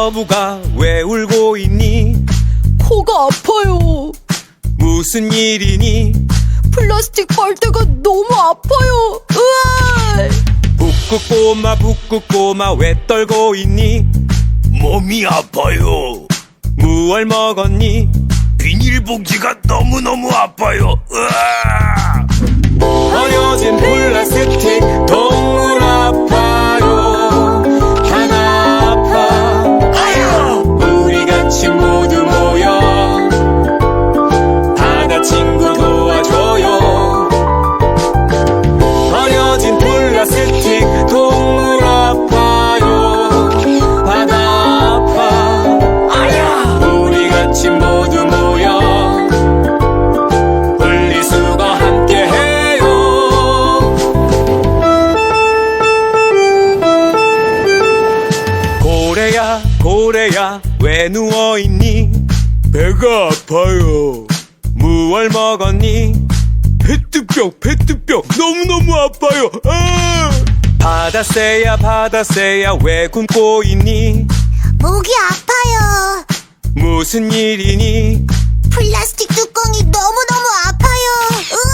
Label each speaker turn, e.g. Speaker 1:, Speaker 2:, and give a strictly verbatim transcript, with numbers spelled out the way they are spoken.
Speaker 1: 어부가 왜 울고 있니?
Speaker 2: 코가 아파요.
Speaker 1: 무슨 일이니?
Speaker 2: 플라스틱 빨대가 너무 아파요. 으아!
Speaker 1: 북극꼬마 북극꼬마 왜 떨고 있니?
Speaker 3: 몸이 아파요.
Speaker 1: 무얼 먹었니?
Speaker 3: 비닐봉지가 너무너무 아파요. 으아!
Speaker 1: 버려진 플라스틱 동물 아파요. 하나 아파.
Speaker 3: 아야!
Speaker 1: 우리 같이 모두 모여 바다 친구 도와줘요. 버려진 플라스틱 동물 아파요. 바다 아파.
Speaker 3: 아야!
Speaker 1: 우리 같이 모두 모여 분리수거 함께 해요. 고래야 고래야 왜 누워있니?
Speaker 3: 배가 아파요.
Speaker 1: 무얼 먹었니?
Speaker 3: 페트병, 페트병 너무너무 아파요. 아!
Speaker 1: 바다새야 바다새야 왜 굶고 있니?
Speaker 4: 목이 아파요.
Speaker 1: 무슨 일이니?
Speaker 4: 플라스틱 뚜껑이 너무너무 아파요.